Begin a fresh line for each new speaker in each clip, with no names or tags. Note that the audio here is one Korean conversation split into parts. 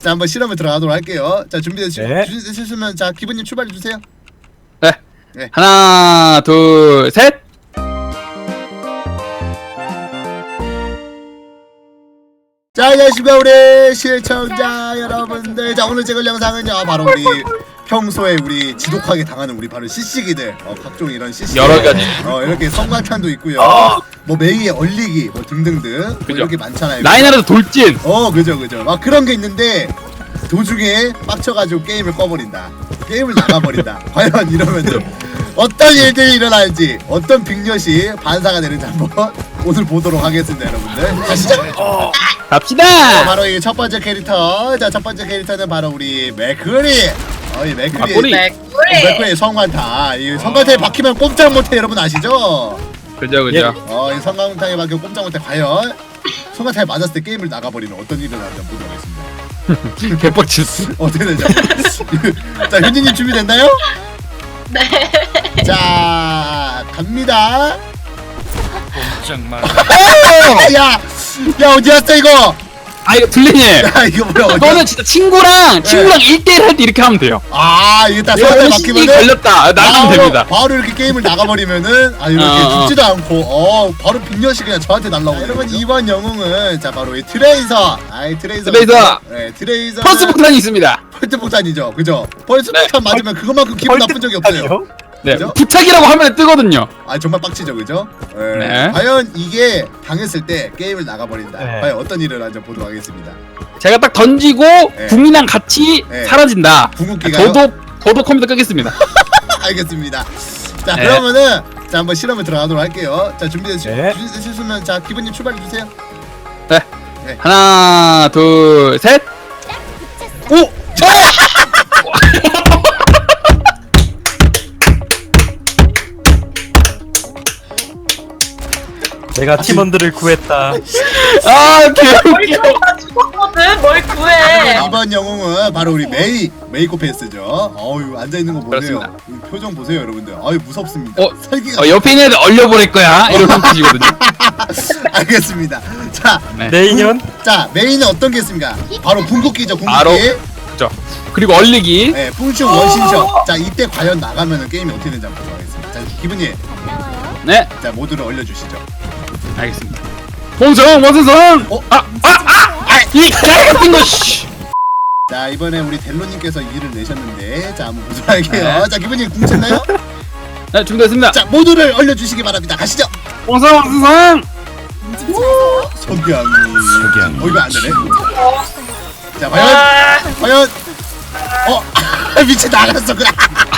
자, 한번 실험을 들어가도록 할게요. 자, 준비되셨으면 자, 기분님 출발해 주세요.
네.
네.
하나, 둘, 셋.
자, 안녕하십니까 우리 시청자 여러분들. 자, 오늘 찍을 영상은요 바로 우리 평소에 우리 지독하게 당하는 우리 바로 CC기들, 각종 이런 CC
여러 가지.
이렇게 성광탄도 있고요. 뭐 메이의 얼리기 뭐 등등등 뭐
그죠.
이렇게 많잖아요.
라인하르트 돌진.
그죠. 막 그런 게 있는데 도중에 빡쳐가지고 게임을 꺼버린다. 게임을 나가버린다. 과연 이러면은 어떤 일들이 일어날지, 어떤 빅엿이 반사가 되는지 한번 오늘 보도록 하겠습니다, 여러분들. 가시죠.
갑시다.
바로 이 첫 번째 캐릭터. 자, 첫 번째 캐릭터는 바로 우리 맥크리. 이 맥크리. 맥크리 성광탄. 이 성광탄에 박히면 꼼짝 못해, 여러분 아시죠?
그죠.
이 성광탄에 박히면 꼼짝 못해. 과연 성광탄에 맞았을 때 게임을 나가버리는 어떤 일이 일어날지 보도록 하겠습니다.
개빡쳤어.
어떻게 되죠? 자, 현진님 준비됐나요?
네.
자, 갑니다.
정말
야, 어디 갔어 이거?
아 이거 블린님.
야, 이거 뭐야? 어디?
너는 진짜 친구랑 1대1 할 때 이렇게 하면 돼요.
이거 딱
이거
성광탄에
신이
박히면은
걸렸다. 나가면 됩니다.
바로 이렇게 게임을 나가버리면은 이렇게 죽지도 않고 바로 빅엿이 그냥 저한테 날라오고. 여러분 이번 영웅은 자 바로 이 트레이서. 트레이서. 네, 트레이서.
펄스 폭탄이 있습니다.
펄스 폭탄이죠, 그죠? 펄스
네.
폭탄 맞으면 그것만큼 기분 나쁜 적이 없어요.
네.
그죠?
부착이라고 화면에 뜨거든요.
정말 빡치죠, 그죠?
네.
과연 이게 당했을 때 게임을 나가버린다.
네.
과연 어떤 일을 하는지 보도록 하겠습니다.
제가 딱 던지고 국민이랑 같이
네.
사라진다.
궁극기가요?
저도 컴퓨터 끄겠습니다.
알겠습니다. 자,
네.
그러면은 자 한번 실험을 들어가도록 할게요. 자, 준비되셨으면 자, 기분님 출발해 주세요.
네.
네.
하나, 둘, 셋.
오!
내가 팀원들을 구했다.
개웃겨.
나 죽었거든. 뭘 구해?
이번 영웅은 바로 우리 메이코패스죠. 앉아 있는 거 보세요.
그렇습니다.
이 표정 보세요, 여러분들. 무섭습니다. 설기가
옆에 있는 애들 얼려버릴 거야. 이런 뜻이거든요.
알겠습니다. 자,
네.
내 인연?
자, 메인은 어떤 게 있습니까? 바로 궁극기죠, 궁극기.
바로. 그죠. 그리고 얼리기.
네, 풍충 원신샷. 자, 이때 과연 나가면은 게임이 어떻게 되는지 한번 보도록 하겠습니다. 자, 기분님,
네.
자, 모두를 올려주시죠.
알겠습니다. 홍성 원선성. 이 같은 거. 씨.
자, 이번에 우리 델로님께서 일을 내셨는데, 자, 한번 보도록 할게요. 자, 기분님 궁 쳤나요?
네, 준비됐습니다.
자, 모두를 올려주시기 바랍니다. 가시죠.
홍성 원선성.
석양이. 이거 안 되네. 자, 과연. 미치 나갔어, 그래.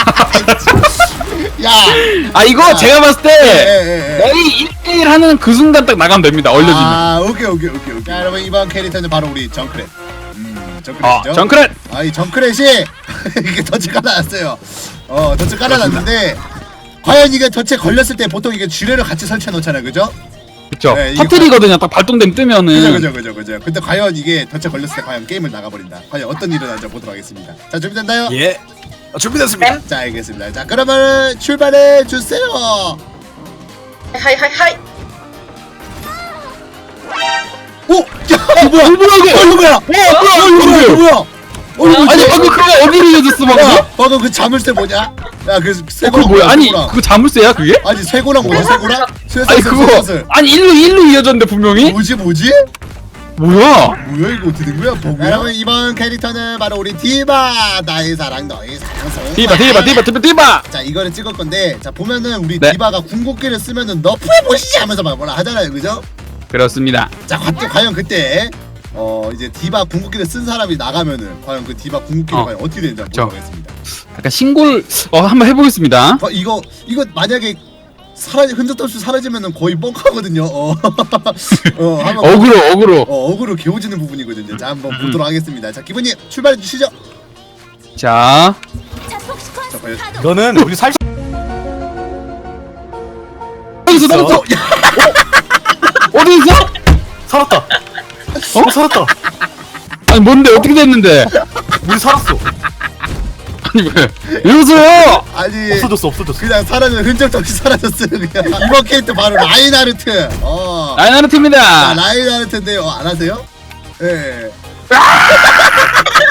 야.
이거 제가 봤을 때
예.
거의 1대1 하는 그 순간 딱 나가면 됩니다. 얼려지면.
오케이. 자, 여러분 이번 캐릭터는 바로 우리 정크렛. 정크렛이죠.
정크렛.
이 정크렛이 이게 덫을 깔아놨어요. 덫을 깔아놨는데 과연 이게 덫에 걸렸을 때 보통 이게 쥐레를 같이 설치해 놓잖아요, 그죠?
그쵸.
네, 이게
터트리거든요. 딱 발동되면 뜨면은.
그죠. 근데 과연 이게 덫에 걸렸을 때 과연 게임을 나가버린다. 과연 어떤 일이 일어날지 보도록 하겠습니다. 자, 준비됐나요?
예. 준비됐습니다.
자, 알겠습니다. 자, 그러면 출발해 주세요.
하이.
오! 야! 뭐야? 이거 뭐야? 이거 뭐야?
아니 방금 그거 어디로 이어졌어 방금?
방금 그 자물쇠 뭐냐? 야, 그
그거
쇠고랑
뭐야? 아니
쇠고랑.
그거 자물쇠야 그게?
아니 쇠고랑 뭐지? 쇠고랑?
아니 그거 아니 일로 이어졌는데 분명히?
뭐지?
뭐야?
뭐야 이거 어떻게 된 거야? 버그야? 여러분 이번 캐릭터는 바로 우리 디바. 나의 사랑 너의 사랑.
디바.
자, 이거를 찍을 건데 자 보면은 우리
네.
디바가 궁극기를 쓰면은 너프해 보시지 하면서 막 뭐라 하잖아요, 그죠?
그렇습니다.
자, 과연 그때 이제 디바 궁극기를 쓴 사람이 나가면은 과연 그 디바 궁극기가 과연 어떻게 되는지 한번 보도록 하겠습니다.
약간 신골 한번 해보겠습니다.
이거 만약에 흔적 없이 사라지면은 거의 뻥카거든요.
어그로.
어그로 개오지는 부분이거든요. 자, 한번 보도록 하겠습니다. 자, 기분님 출발해 주시죠.
자.
자, 과연
너는 우리 살.
어디서 나왔어? 어디 있어?
살았다. 살았다.
아니 뭔데 어떻게 됐는데?
우리 살았어.
아니 왜? 이러세요?
아니
없어졌어.
그냥 사라진 흔적도 없이 사라졌어요. 그냥 이번 캐릭터 바로 라인하르트.
라인하르트입니다.
라인하르트인데요. 안 하세요? 예.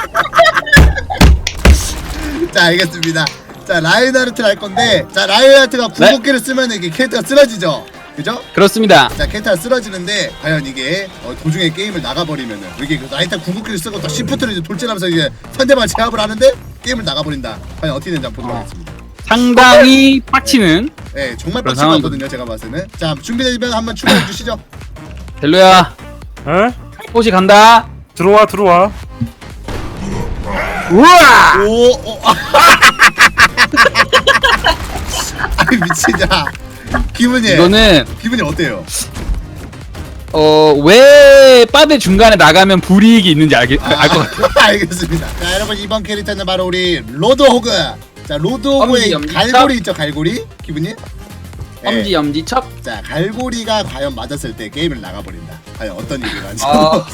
자 알겠습니다. 자 라인하르트를 할 건데 자 라인하르트가 궁극기를 쓰면 이게 캐릭터가 쓰러지죠. 그죠?
그렇습니다.
자 캐릭터가 쓰러지는데 과연 이게 도중에 게임을 나가버리면은 이게 라인하르트 궁극기를 쓰고 또 시프트를 이제 돌진하면서 이제 상대방을 제압을 하는데 게임을 나가버린다. 과연 어떻게 되는지 한번 보도록 하겠습니다.
상당히 빡치는.
네 정말
그런
빡치거든요 제가 봤을 때는. 자 준비되면 한번 출발해 주시죠.
델로야,
에?
호시 간다.
들어와 들어와.
우와!
오. 아이 미치자. 기분이 기분이 어때요?
왜 빠데 중간에 나가면 불이익이 있는지 알 것 같아요.
알겠습니다. 자 여러분 이번 캐릭터는 바로 우리 로드호그. 자 로드호그의
엄지,
갈고리 있죠 갈고리 기분이? 네.
엄지척.
자 갈고리가 과연 맞았을 때 게임을 나가버린다. 과연 어떤 일이 나지?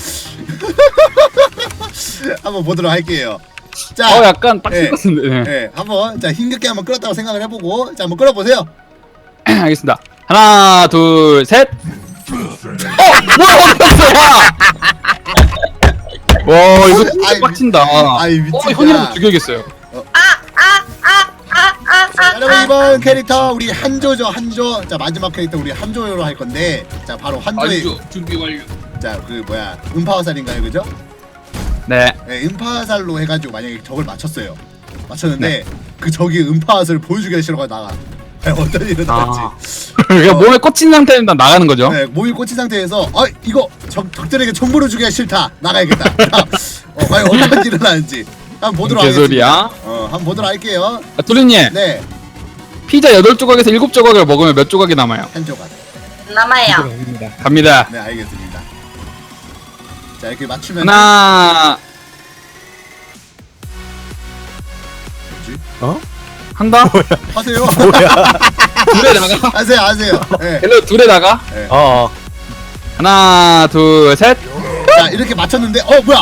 한번 보도록 할게요. 자,
약간 빡칠
네.
것 같은데. 네.
네, 한번 자 힘겹게 한번 끌었다고 생각을 해보고 자 한번 끌어보세요.
알겠습니다. 하나, 둘, 셋. 뭐야 어디갔어? 와 이거 진짜
아이,
빡친다.
아이 미치다.
현이라도 죽여야겠어요.
자, 여러분 이번 캐릭터 우리 한조죠 한조. 자 마지막 캐릭터 우리 한조로 할 건데 자 바로 한조의
준비 완료.
자 그 뭐야 음파화살인가요 그죠?
네.
네 음파화살로 해가지고 만약에 적을 맞췄는데 그 적이 음파화살을 보여주기 싫어가 나가. 어떤 일은 나올지.
그러니까 몸에 꽂힌 상태에서 나가는 거죠.
네, 몸이 꽂힌 상태에서 이거 적들에게 정보를 주기가 싫다 나가야겠다. 과연 어떤 일이 일어나는지 한번 보도록
개소리야.
하겠습니다. 한번 보도록 할게요.
뚜리님,
네,
피자 8조각에서 7조각을 먹으면 몇 조각이 남아요?
한 조각.
남아요.
갑니다.
네, 알겠습니다. 자 이렇게 맞추면
하나.
뭐지?
어?
한다?
하세요.
둘에 나가.
하세요. 네.
헬로 둘에 나가.
어.
하나, 둘, 셋.
자 이렇게 맞췄는데 뭐야?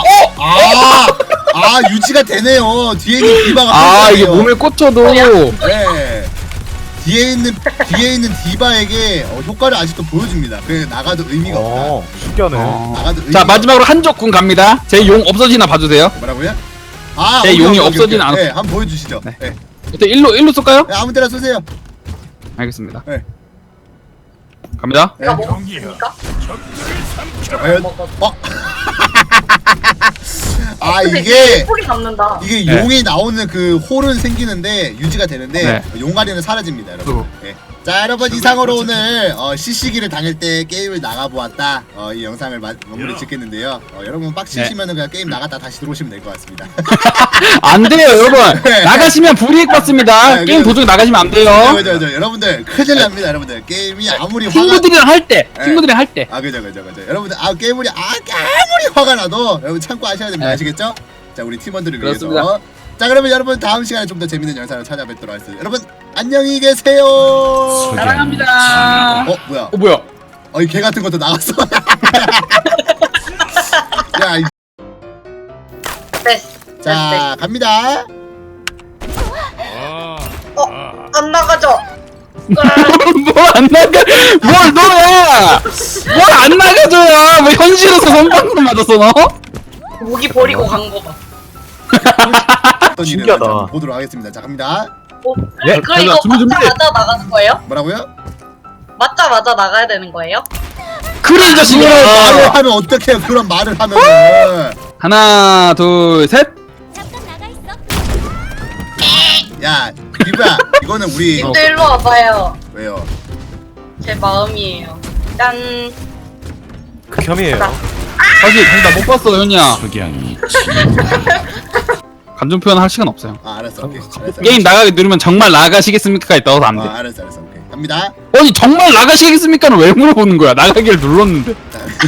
유지가 되네요. 뒤에 있는 디바가
이게
펼쳐지네요.
몸에 꽂혀도.
네. 뒤에 있는 디바에게 효과를 아직도 보여줍니다. 그래 나가도 의미가 없다.
신기하네.
나가도 의미가
자 마지막으로 한적군 갑니다. 제 용 없어지나 봐주세요.
뭐라고요?
제
오케이,
용이
오케이,
없어진
오케이.
않았-
네, 한번 보여주시죠.
네.
네.
일단 일로 쏠까요?
네, 아무 데나 쏘세요.
알겠습니다.
네.
갑니다.
네.
내가 먹었습니까?
과연
먹었어.
이게
소리 남는다.
네.
용이 나오는 그 홀은 생기는데 유지가 되는데
네.
용가리는 사라집니다, 여러분. 네. 자, 여러분 이상으로 오늘 시시기를 당할 때 게임을 나가보았다. 이 영상을 마무리 짓겠는데요. 여러분 빡치시면은 그냥 게임 나갔다 다시 들어오시면 될 것 같습니다.
안 돼요, 여러분.
네.
나가시면 불이익 받습니다.
네,
게임
그래서-
도중에 나가시면 안 돼요.
그죠. 여러분들 큰일 납니다, 여러분들. 게임이 아무리
친구들이랑 할 때,
네.
친구들이랑 할 때.
그죠. 여러분들 게임이 아무리 화가 나도 여러분 참고 하셔야 됩니다.
네.
아시겠죠? 자, 우리 팀원들을
그렇습니다.
위해서. 자, 그러면 여러분 다음 시간에 좀 더 재밌는 영상을 찾아뵙도록 하겠습니다. 여러분 안녕히 계세요.
사랑합니다.
뭐야?
뭐야?
이 개 같은 것도 나갔어. 야,
됐어.
자 갑니다.
안 나가죠.
뭘 안 나가? 뭘 너야? 뭘 안 나가줘야? 뭐 현실에서 선방으로 맞았어 너?
무기 버리고 간 거 봐.
어떤 일이
신기하다.
일어날지 한번 보도록 하겠습니다. 자 갑니다.
예,
그럼 이거
준비.
맞자마자 나가는 거예요?
뭐라고요?
맞자마자 나가야 되는 거예요?
그래 이
말을
자식아.
하면 어떡해요? 그런 말을 하면은.
하나, 둘, 셋.
야, 이거야. 이거는 우리
님도 일로 와봐요.
왜요?
제 마음이에요. 짠.
극혐이에요.
사실 나못 봤어 현이야. 감정 표현 할 시간 없어요.
알았어. 오케이. 알았어.
게임 나가게 누르면 정말 나가시겠습니까가 있다고 안 돼.
알았어. 오케이. 갑니다.
아니 정말 나가시겠습니까는 왜 물어보는 거야? 나가기를 눌렀는데.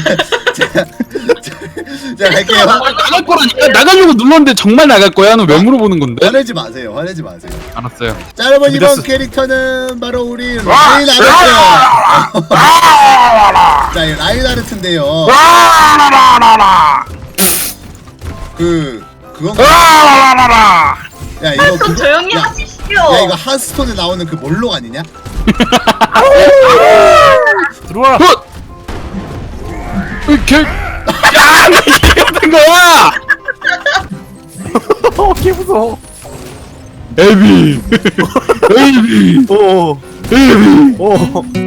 자, 갈게요.
나갈 거라니까 나가려고 눌렀는데 정말 나갈 거야는 왜 물어보는 건데?
화내지 마세요.
알았어요.
자, 여러분 이번
준비됐어.
캐릭터는 바로 우리 라인하르트. 자, 이 라인하르트인데요. 그건 야, 이거
좀 조용히
야,
하십시오.
야, 이거 하스톤에 나오는 그 몰록 아니냐?
들어와.
개. 야, 이게 같은 거야.
개 무서워.
에비 에비
오.
에비
오.